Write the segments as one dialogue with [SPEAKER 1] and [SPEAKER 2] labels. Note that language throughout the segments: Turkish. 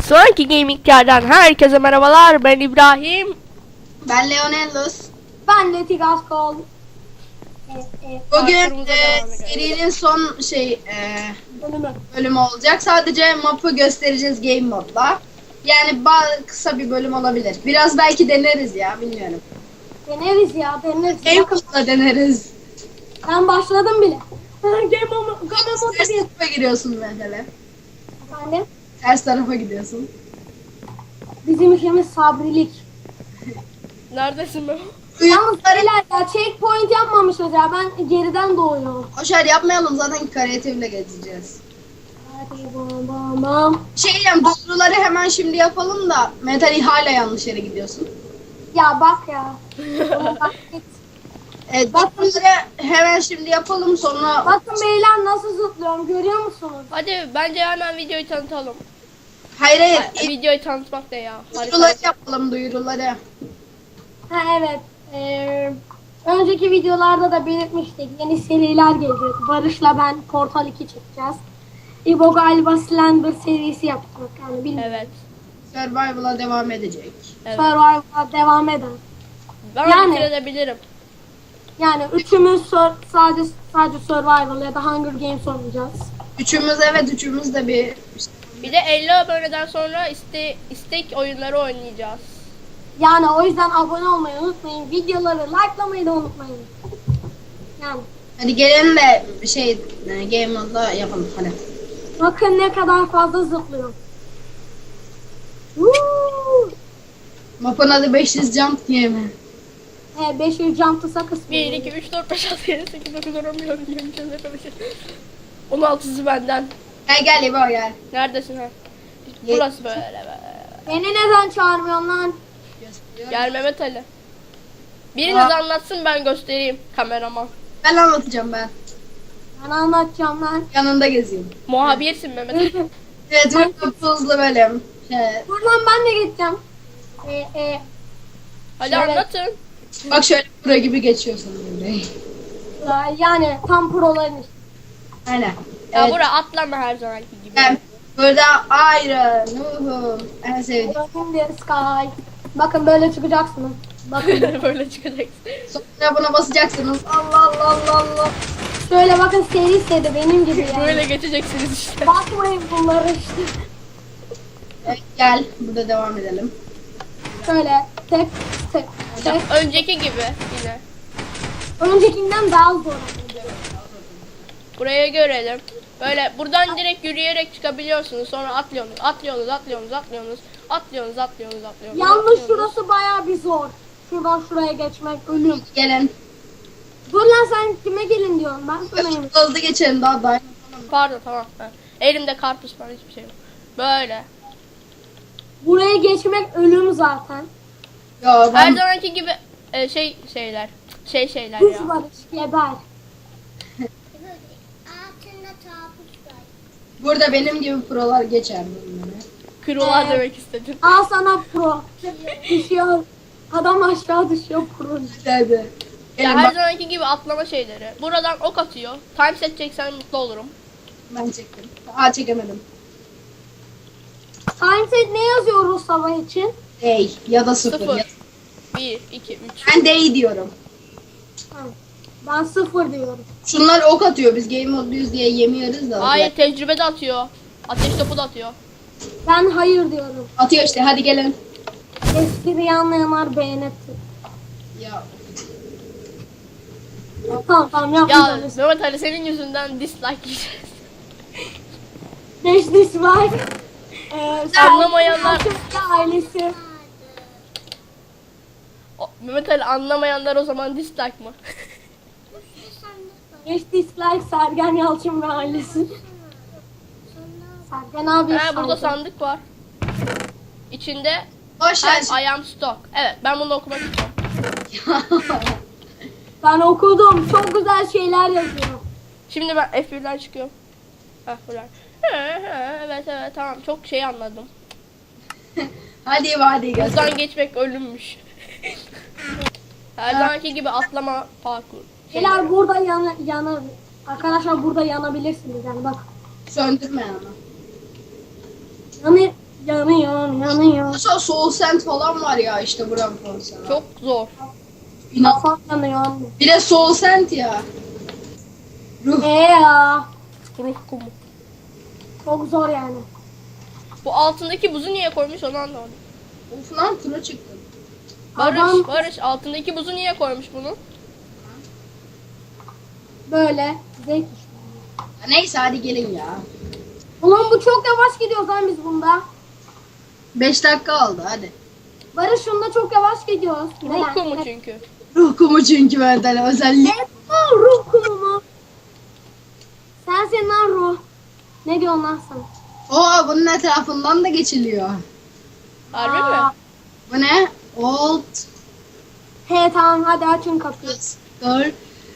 [SPEAKER 1] Sonraki Gaming'lerden herkese merhabalar. Ben İbrahim.
[SPEAKER 2] Ben Leonellos.
[SPEAKER 3] Ben de Tigaskol.
[SPEAKER 2] Bugün serinin son bölümü olacak. Sadece map'ı göstereceğiz game modla. Yani kısa bir bölüm olabilir. Biraz belki deneriz ya, bilmiyorum.
[SPEAKER 3] Deneriz ya, deneriz.
[SPEAKER 2] Game modla deneriz.
[SPEAKER 3] Ben başladım bile. Game modu
[SPEAKER 2] Ters
[SPEAKER 3] bir.
[SPEAKER 2] tarafa giriyorsun mesela.
[SPEAKER 3] Efendim?
[SPEAKER 2] Ters tarafa gidiyorsun.
[SPEAKER 3] Bizim işimiz sabrilik.
[SPEAKER 1] Neredesin be?
[SPEAKER 3] Yalnız beyler ya checkpoint yapmamışız ya. Ben geriden doğuyorum.
[SPEAKER 2] Boşver yapmayalım, zaten kreatifle geçeceğiz.
[SPEAKER 3] Hadi bam bam bam.
[SPEAKER 2] Duyuruları hemen şimdi yapalım da Metali hala yanlış yere gidiyorsun.
[SPEAKER 3] Ya bak ya. Ona bak git.
[SPEAKER 2] Duyuruları hemen şimdi yapalım, sonra
[SPEAKER 3] Bakın beyler nasıl zıplıyorum görüyor musunuz?
[SPEAKER 1] Hadi bence hemen videoyu tanıtalım.
[SPEAKER 2] hayır
[SPEAKER 1] Videoyu tanıtmak da ya.
[SPEAKER 2] duyuruları yapalım, duyuruları.
[SPEAKER 3] Ha evet. Önceki videolarda da belirtmiştik. Yeni seriler gelecek. Barış'la ben Portal 2 çekeceğiz. İbo galiba Slender serisi yapacak. Yani bilmiyorum.
[SPEAKER 1] Evet.
[SPEAKER 2] Survival'a devam edecek.
[SPEAKER 1] Evet.
[SPEAKER 3] Survivor'a devam eder.
[SPEAKER 1] Ben
[SPEAKER 3] Yani-
[SPEAKER 1] bitirebilirim.
[SPEAKER 3] Yani üçümüz sadece Survival ya da Hunger Games oynayacağız.
[SPEAKER 2] Üçümüz de bir
[SPEAKER 1] Bir de 50 aboneden sonra istek oyunları oynayacağız.
[SPEAKER 3] Yani o yüzden abone olmayı unutmayın. Videoları likelamayı da unutmayın. Yani
[SPEAKER 2] hadi gelin de game modda yapalım hadi.
[SPEAKER 3] bakın ne kadar fazla zıplıyorum. Woo!
[SPEAKER 2] Mapın adı 500 jump diye mi?
[SPEAKER 3] 500 jump to sakız.
[SPEAKER 1] 1, 2, 3, 4, 5, 6, 7, 8, 9, 10, 11, 12, 13, 14, 15, 16'sı benden.
[SPEAKER 2] Gel İbo gel.
[SPEAKER 1] Neredesin ha? Burası böyle.
[SPEAKER 3] Beni neden çağırmıyorsun lan?
[SPEAKER 1] Gel Mehmet Ali. Biriniz
[SPEAKER 2] Aa.
[SPEAKER 1] anlatsın, ben göstereyim kameraman.
[SPEAKER 2] Ben anlatacağım ben.
[SPEAKER 3] Ben anlatacağım lan.
[SPEAKER 2] Yanında gezeyim.
[SPEAKER 1] Muhabirsin Mehmet Ali.
[SPEAKER 2] Evet, çok hızlı bölüm.
[SPEAKER 3] Buradan ben de geçeceğim.
[SPEAKER 1] Hadi
[SPEAKER 3] Şöyle-
[SPEAKER 1] anlatın.
[SPEAKER 2] Bak şöyle pro gibi geçiyorsun böyle.
[SPEAKER 3] Yani tam proların işte.
[SPEAKER 2] Aynen.
[SPEAKER 1] Ya
[SPEAKER 2] Evet.
[SPEAKER 1] bura atlama her zamanki gibi.
[SPEAKER 2] Ben burada Iron, Nuhum, en sevdiğim.
[SPEAKER 3] In the sky. Bakın böyle çıkacaksınız. Bakın.
[SPEAKER 1] Böyle çıkacaksın.
[SPEAKER 2] Sonra buna basacaksınız. Allah.
[SPEAKER 3] Şöyle bakın seri seri benim gibi yani.
[SPEAKER 1] Böyle geçeceksiniz işte.
[SPEAKER 3] Bakmayın bunları işte.
[SPEAKER 2] Evet, gel burada devam edelim.
[SPEAKER 3] Şöyle tek.
[SPEAKER 1] Önceki gibi yine.
[SPEAKER 3] Öncekinden daha zor.
[SPEAKER 1] Buraya görelim. Böyle buradan direkt yürüyerek çıkabiliyorsunuz. Sonra atlıyorsunuz.
[SPEAKER 3] Yalnız şurası bayağı bir zor. Şuradan şuraya geçmek ölüm.
[SPEAKER 2] Gelin.
[SPEAKER 3] Dur lan sen kime gelin diyorsun ben sana yemin.
[SPEAKER 2] Hızlı geçelim daha dayan.
[SPEAKER 1] Pardon, tamam. Ha. Elimde karpuz falan hiçbir şey yok. Böyle.
[SPEAKER 3] Buraya geçmek ölüm zaten.
[SPEAKER 2] Ya
[SPEAKER 1] Her
[SPEAKER 2] ben
[SPEAKER 1] zamanki gibi şeyler ya.
[SPEAKER 3] Düz barış geber.
[SPEAKER 2] burada benim gibi prolar geçer bunları.
[SPEAKER 1] Kırılar demek istedim.
[SPEAKER 3] Al sana pro. Düşüyor. Adam aşağı düşüyor pro.
[SPEAKER 2] Hadi.
[SPEAKER 1] Ya
[SPEAKER 2] Gelin
[SPEAKER 1] her
[SPEAKER 2] bak,
[SPEAKER 1] zamanki gibi atlama şeyleri. Buradan ok atıyor. Time set çeksen mutlu olurum.
[SPEAKER 2] ben çektim. Çekemedim.
[SPEAKER 3] Timeset ne yazıyoruz sabah için?
[SPEAKER 2] Day ya da 0.
[SPEAKER 1] 0. 1, 2, 3.
[SPEAKER 2] Ben day diyorum.
[SPEAKER 3] Ha, ben 0 diyorum.
[SPEAKER 2] Şunlar ok atıyor. Biz game modluyuz diye yemiyoruz da.
[SPEAKER 1] Hayır, tecrübe de atıyor. Ateş topu da atıyor.
[SPEAKER 3] Ben hayır diyorum.
[SPEAKER 2] Atıyor işte. Hadi gelin.
[SPEAKER 3] Espriyi anlayanlar beğenirsin.
[SPEAKER 2] Ya
[SPEAKER 3] Tamam
[SPEAKER 1] Ya
[SPEAKER 3] yapmayacağız.
[SPEAKER 1] Mehmet Ali, senin yüzünden dislike yiyeceğiz.
[SPEAKER 3] 5 diş var.
[SPEAKER 1] Anlamayanlar-
[SPEAKER 3] Ailesi.
[SPEAKER 1] Mehmet Ali, anlamayanlar o zaman dislike mı?
[SPEAKER 3] 5 dislike Sergen Yalçın ve ailesi. Sergen abi.
[SPEAKER 1] Burada sandık var. İçinde
[SPEAKER 2] boş ver.
[SPEAKER 1] I am stock. Evet, ben bunu okumak istiyorum.
[SPEAKER 3] Ben okudum. Çok güzel şeyler yazıyor.
[SPEAKER 1] Şimdi ben F1'den çıkıyorum. Buradan. Evet tamam, çok şey anladım.
[SPEAKER 2] hadi göster.
[SPEAKER 1] Buradan geçmek ölümmüş. Her zamanki gibi atlama parkur.
[SPEAKER 3] Şeyler burada yanar. Arkadaşlar burada yanabilirsiniz yani bak.
[SPEAKER 2] Söndürme ama.
[SPEAKER 3] Yanıyor. yanıyor.
[SPEAKER 2] Mesela Soul Sand falan var ya işte buranın konusunda.
[SPEAKER 1] Çok zor.
[SPEAKER 2] İnan.
[SPEAKER 3] Kafam yanıyor anne.
[SPEAKER 2] Bir de Soul Sand ya. Ruh.
[SPEAKER 3] Ya.
[SPEAKER 1] Ruh kumu.
[SPEAKER 3] Çok zor yani.
[SPEAKER 1] Bu altındaki buzu niye koymuş onu anlamadım.
[SPEAKER 2] Of lan pro çıktı.
[SPEAKER 3] Adam-
[SPEAKER 1] Barış altındaki buzu niye koymuş bunu?
[SPEAKER 3] Böyle. Zevk işte.
[SPEAKER 2] Neyse hadi gelin ya.
[SPEAKER 3] Ulan bu çok yavaş gidiyoruz lan biz bunda.
[SPEAKER 2] 5 dakika oldu hadi.
[SPEAKER 3] Barış şunda çok yavaş gidiyoruz.
[SPEAKER 1] Ruh kumu çünkü.
[SPEAKER 2] Ruh kumu çünkü benden özellik.
[SPEAKER 3] Ne? Ruh kumu mu? Sensin lan ruh. Ne diyorsun lan sen?
[SPEAKER 2] Oo bunun etrafından da geçiliyor.
[SPEAKER 1] Harbi
[SPEAKER 3] Aa.
[SPEAKER 1] mi?
[SPEAKER 2] Bu ne? Old
[SPEAKER 3] He tamam hadi açın kapıyı.
[SPEAKER 2] Door.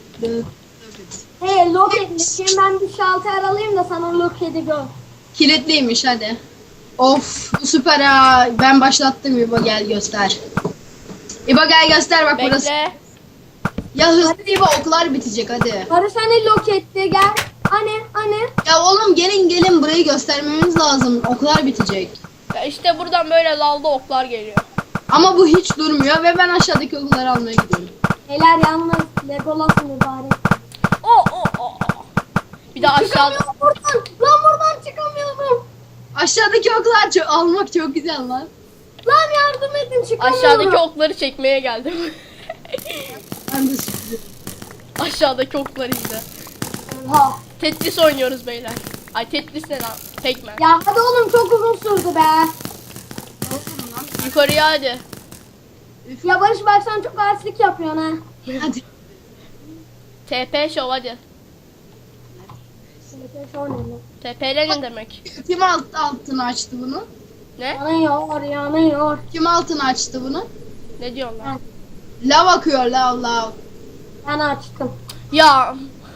[SPEAKER 3] He loket. Şimdi ben bir şalter alayım da sana loketi gör.
[SPEAKER 2] Kilitliymiş hadi. Of bu süper ha. Ben başlattım İbo gel göster. İbo gel göster bak burası.
[SPEAKER 1] Bekle.
[SPEAKER 2] Ya hızlı İbo oklar bitecek hadi.
[SPEAKER 3] Barış hani loketti gel. Hani.
[SPEAKER 2] Ya oğlum gelin burayı göstermemiz lazım. Oklar bitecek.
[SPEAKER 1] Ya işte buradan böyle lavda oklar geliyor.
[SPEAKER 2] Ama bu hiç durmuyor ve ben aşağıdaki okları almaya gidiyorum.
[SPEAKER 3] Beyler yalnız Legolas'ın mübarek.
[SPEAKER 1] O. Bir de aşağıda.
[SPEAKER 3] Çıkamıyorum buradan. Lan buradan çıkamıyorum.
[SPEAKER 2] Aşağıdaki oklar almak çok güzel lan.
[SPEAKER 3] Lan yardım edin çıkamıyorum.
[SPEAKER 1] Aşağıdaki okları çekmeye geldim.
[SPEAKER 2] Ben de sürpriz.
[SPEAKER 1] Aşağıdaki okları izle.
[SPEAKER 3] Ha.
[SPEAKER 1] Tetris oynuyoruz beyler. Ay Tetris ne lan? Pac-Man.
[SPEAKER 3] Ya hadi oğlum çok uzun sürdü be.
[SPEAKER 1] Yukarıya hadi.
[SPEAKER 3] Ya Barış bak sen çok artistlik yapıyorsun ha.
[SPEAKER 2] Hadi.
[SPEAKER 1] TP show hadi. TP'le ne demek?
[SPEAKER 2] Kim altını açtı bunu?
[SPEAKER 1] Ne?
[SPEAKER 3] Yanıyor.
[SPEAKER 2] Kim altını açtı bunu?
[SPEAKER 1] Ne diyorsun lan?
[SPEAKER 2] Lav akıyor lav.
[SPEAKER 3] Ben açtım.
[SPEAKER 1] Ya.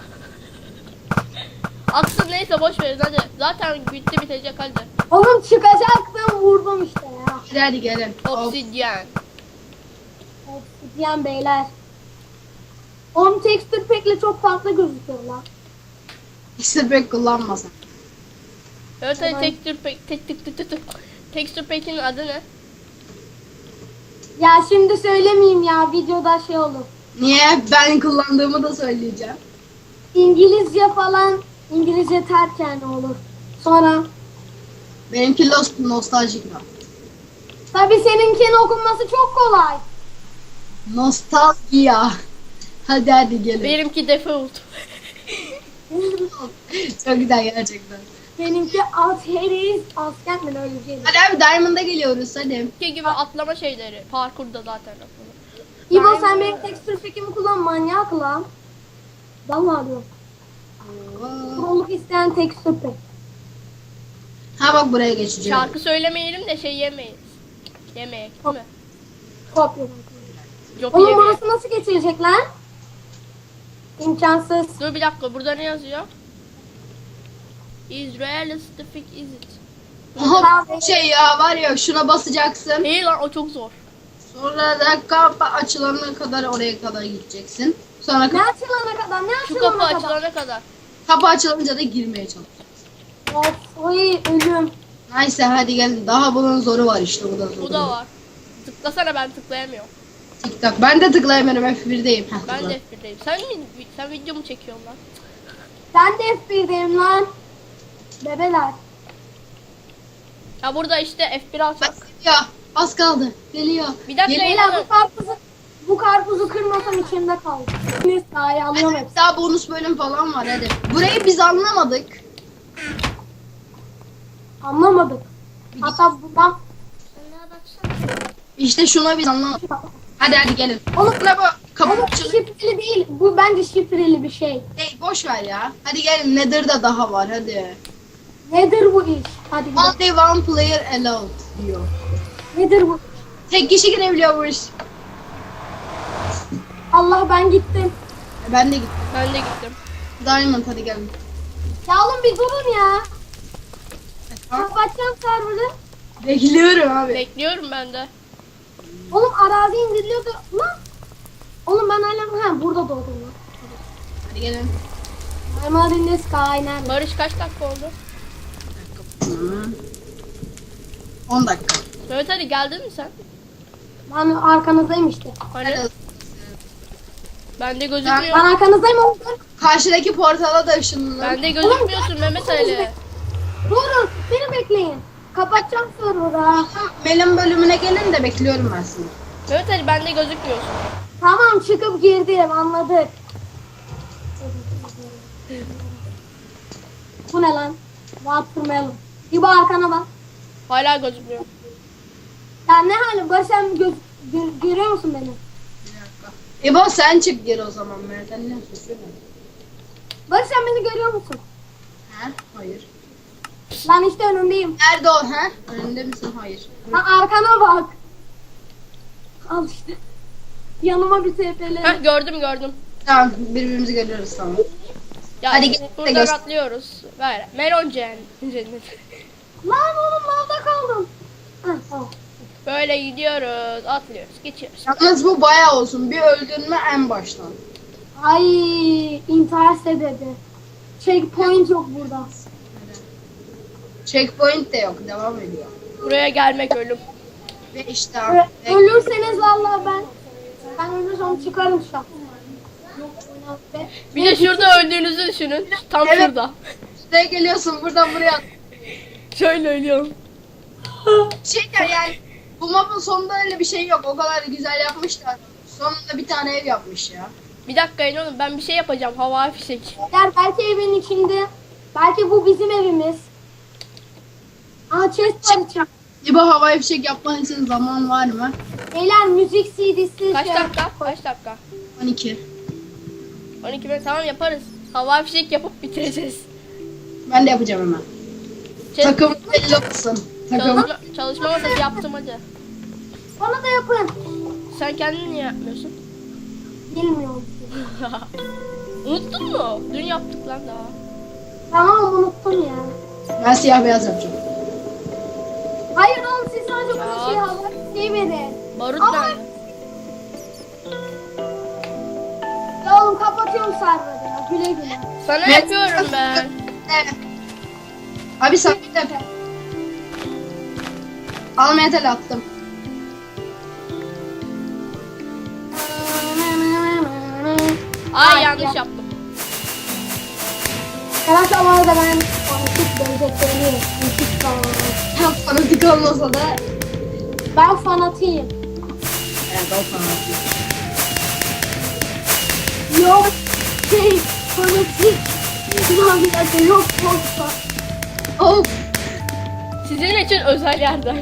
[SPEAKER 1] Aksın neyse boş verin hadi. Zaten bitti bitecek hadi.
[SPEAKER 3] Oğlum çıkacaktım vurdum işte ya.
[SPEAKER 2] Hadi gelin. Hop.
[SPEAKER 1] Obsidyen.
[SPEAKER 3] Obsidiyen beyler. Oğlum texture pack'le çok farklı gözüküyor lan.
[SPEAKER 2] İşte pek kullanmasın.
[SPEAKER 1] Evet hadi
[SPEAKER 3] Tamam.
[SPEAKER 1] Texture Pack'in adı ne?
[SPEAKER 3] Ya şimdi söylemeyeyim ya videoda şey olur.
[SPEAKER 2] Niye? Ben kullandığımı da söyleyeceğim.
[SPEAKER 3] İngilizce falan İngilizce ters yani olur. Sonra
[SPEAKER 2] Benimki nostaljik lan.
[SPEAKER 3] tabii seninkinin okunması çok kolay.
[SPEAKER 2] Nostalgia. Hadi gelin.
[SPEAKER 1] Benimki default.
[SPEAKER 2] Çok güzel gerçekten.
[SPEAKER 3] Benimki Ateris asker mi öyle bir şey.
[SPEAKER 2] Hadi abi Diamond'a geliyoruz hadi.
[SPEAKER 1] Ki gibi atlama şeyleri. Parkurda zaten atlama.
[SPEAKER 3] İbo sen benim texture pack'imi kullan manyak lan. Vallahi diyorum. Proluk isteyen texture pack.
[SPEAKER 2] Ha bak buraya geçeceğim.
[SPEAKER 1] Şarkı söylemeyelim de şey yemeyiz. Yemeyek değil mi?
[SPEAKER 3] Kopya.
[SPEAKER 1] Yok
[SPEAKER 3] Oğlum
[SPEAKER 1] yemeyek.
[SPEAKER 3] burası nasıl geçirecek lan? İmkansız.
[SPEAKER 1] Dur bir dakika burada ne yazıyor? Is realistic is it?
[SPEAKER 2] Aha şey ya var ya şuna basacaksın.
[SPEAKER 1] İyi lan o çok zor.
[SPEAKER 2] Sonra da kapı açılana kadar oraya kadar gideceksin. Sonra
[SPEAKER 3] Ne açılana kadar? Ne
[SPEAKER 1] Şu
[SPEAKER 3] açılana
[SPEAKER 1] kapı
[SPEAKER 3] kadar?
[SPEAKER 1] açılana kadar.
[SPEAKER 2] kapı açılınca da girmeye çalış.
[SPEAKER 3] Of, oy ölüm.
[SPEAKER 2] Neyse hadi gelin. Daha bunun zoru var işte bu da zoru.
[SPEAKER 1] Bu da var. Tıklasana ben tıklayamıyorum.
[SPEAKER 2] TikTok. Ben de tıklayamıyorum F1'deyim. Heh,
[SPEAKER 1] Ben
[SPEAKER 2] tıkla.
[SPEAKER 1] de F1'deyim. Sen video mu çekiyorsun lan?
[SPEAKER 3] Ben de F1'deyim lan. Bebeler.
[SPEAKER 1] Ya burada işte F1 alacak.
[SPEAKER 2] Geliyor. Az kaldı. Geliyor.
[SPEAKER 1] Bir dakika
[SPEAKER 2] Geliyor.
[SPEAKER 3] Beyler bu karpuzu kırmasam içimde kaldı. Neyse daha alıyorum hepsini.
[SPEAKER 2] Daha bonus bölüm falan var hadi. Burayı biz anlamadık.
[SPEAKER 3] Anlamadık. Hatta bundan
[SPEAKER 2] İşte şuna biz anlamadık. Hadi gelin.
[SPEAKER 3] Oğlum,
[SPEAKER 2] Ne bu? Kapı
[SPEAKER 3] oğlum
[SPEAKER 2] açılıyor.
[SPEAKER 3] şifreli değil. Bu bence şifreli bir şey.
[SPEAKER 2] Hey, boş ver ya. Hadi gelin. Nether'da daha var hadi.
[SPEAKER 3] Nedir bu iş? Hadi gidelim.
[SPEAKER 2] Only one player allowed diyor.
[SPEAKER 3] Nedir bu?
[SPEAKER 2] Tek kişi girebiliyormuş.
[SPEAKER 3] Allah ben gittim.
[SPEAKER 2] Ben de gittim.
[SPEAKER 1] Ben de gittim.
[SPEAKER 2] Diamond hadi gelin.
[SPEAKER 3] Ya oğlum bir durun ya.
[SPEAKER 2] Tamam.
[SPEAKER 3] Kapatacağım server'ı.
[SPEAKER 2] Bekliyorum abi.
[SPEAKER 1] Bekliyorum ben de.
[SPEAKER 3] Oğlum arazi indiriliyordu. Lan. Oğlum ben hala burada doğdum lan.
[SPEAKER 2] Hadi gelin.
[SPEAKER 3] I'm out in the sky nerede?
[SPEAKER 1] Barış kaç dakika oldu?
[SPEAKER 2] 10 dakika.
[SPEAKER 1] Mehmet Ali geldin mi sen?
[SPEAKER 3] Ben arkanızdayım işte.
[SPEAKER 1] Hani
[SPEAKER 2] Hadi.
[SPEAKER 1] bende
[SPEAKER 3] Ben
[SPEAKER 1] gözükmüyor.
[SPEAKER 3] arkanızdayım oğlum.
[SPEAKER 2] Karşıdaki portala da ışınlanın.
[SPEAKER 1] Bende gözükmüyorsun Mehmet Ali.
[SPEAKER 3] Durun beni bekleyin. Kapatacağım server'ı.
[SPEAKER 2] Melin bölümüne gelin de bekliyorum ben sizi.
[SPEAKER 1] Mehmet Ali bende gözükmüyorsun.
[SPEAKER 3] Tamam çıkıp girdim anladık. Bu ne lan? Watermelon. İbo arkana bak.
[SPEAKER 1] Hala gözükmüyor.
[SPEAKER 3] Ya ne hali? Barış sen görüyor musun beni?
[SPEAKER 2] İbo sen çık gir o zaman Mehmet Ali ne susuyor?
[SPEAKER 3] Barış sen beni görüyor musun?
[SPEAKER 2] He? Hayır.
[SPEAKER 3] Ben işte önündeyim.
[SPEAKER 2] Nerede o he? Önünde misin? Hayır.
[SPEAKER 3] Ha, arkana bak. Al işte. Yanıma bir tepeli.
[SPEAKER 1] Heh gördüm.
[SPEAKER 2] Tamam birbirimizi görüyoruz tamam.
[SPEAKER 1] Ya
[SPEAKER 2] Hadi gel de
[SPEAKER 1] buradan
[SPEAKER 2] göster.
[SPEAKER 1] atlıyoruz. Ver. Melon cennet.
[SPEAKER 3] Lan oğlum lavda kaldım. Heh, tamam.
[SPEAKER 1] Böyle gidiyoruz, atlıyoruz, geçiyoruz.
[SPEAKER 2] Yalnız bu bayağı olsun. Bir öldürme en baştan.
[SPEAKER 3] Ay intihar sebebi. Checkpoint yok burada.
[SPEAKER 2] Checkpoint de yok. Devam ediyor.
[SPEAKER 1] Buraya gelmek ölüm.
[SPEAKER 2] Ve işte
[SPEAKER 3] Ölürseniz vallahi ben ölürsem çıkarım şu an.
[SPEAKER 1] Bir de şurada öldüğünüzü düşünün. Tam
[SPEAKER 2] Evet.
[SPEAKER 1] şurada.
[SPEAKER 2] Şuraya geliyorsun buradan buraya.
[SPEAKER 1] Şöyle ölüyorum.
[SPEAKER 2] Yani bu mapın sonunda öyle bir şey yok. O kadar güzel yapmışlar. Sonunda bir tane ev yapmış ya.
[SPEAKER 1] Bir dakika yine oğlum ben bir şey yapacağım. Havai fişek.
[SPEAKER 3] Belki evin içinde. Belki bu bizim evimiz. Aa chest var içeride.
[SPEAKER 2] İbo havai fişek yapman için zaman var mı?
[SPEAKER 3] Beyler müzik CD'si.
[SPEAKER 1] Kaç
[SPEAKER 3] şey-
[SPEAKER 1] dakika? Kaç dakika?
[SPEAKER 2] 12.
[SPEAKER 1] 12 bin tamam yaparız. Havai fişek yapıp bitireceğiz.
[SPEAKER 2] Ben de yapacağım hemen.
[SPEAKER 1] Şey,
[SPEAKER 2] Takım belli olsun. Takım.
[SPEAKER 1] çalışma masası yaptım hadi.
[SPEAKER 3] Bana da yapın.
[SPEAKER 1] Sen kendin niye yapmıyorsun?
[SPEAKER 3] Bilmiyorum.
[SPEAKER 1] Unuttun mu? Dün yaptık lan daha.
[SPEAKER 3] Tamam unuttum ya.
[SPEAKER 2] Ben siyah beyaz yapacağım.
[SPEAKER 3] Hayır oğlum siz sadece bana
[SPEAKER 1] Ya.
[SPEAKER 3] şey hava şey verin.
[SPEAKER 1] Barut
[SPEAKER 3] Ama-
[SPEAKER 1] nerede?
[SPEAKER 3] Ya oğlum kapatıyorum serverı ya. Güle güle.
[SPEAKER 1] Sana
[SPEAKER 2] Ben-
[SPEAKER 1] yapıyorum ben.
[SPEAKER 2] Evet. Abi sen de yap. Al metal attım.
[SPEAKER 1] Ay yanlış yaptım.
[SPEAKER 3] Arkadaşlar bu arada ben fanatik benzetlerimi müzik falan.
[SPEAKER 2] Fanatik olmasa da.
[SPEAKER 3] Ben fanatiyim.
[SPEAKER 2] Evet o fanatik.
[SPEAKER 3] Yok şey fanatik. Lan bir dakika yok yoksa.
[SPEAKER 2] Of.
[SPEAKER 1] Sizin için özel yerden.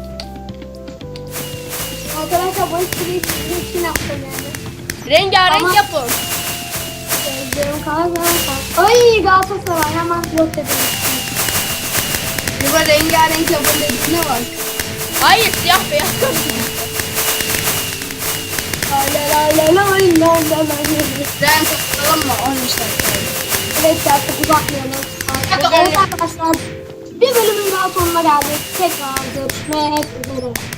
[SPEAKER 3] Arkadaşlar bu espriyi sizin için yaptım yani.
[SPEAKER 1] Rengarenk
[SPEAKER 3] Ama-
[SPEAKER 1] yapın.
[SPEAKER 3] Gözlerim kanka. Ay Galatasaray hemen yok dedim.
[SPEAKER 2] İbo rengarenk yapın dediğine bak.
[SPEAKER 1] Hayır siyah beyaz karışık.
[SPEAKER 2] Renk atalım mı? 13 dakika.
[SPEAKER 3] Evet artık uzatmayalım.
[SPEAKER 2] Hadi
[SPEAKER 3] Evet arkadaşlar bir bölümün daha sonuna geldik. Tekrar görüşmek üzere.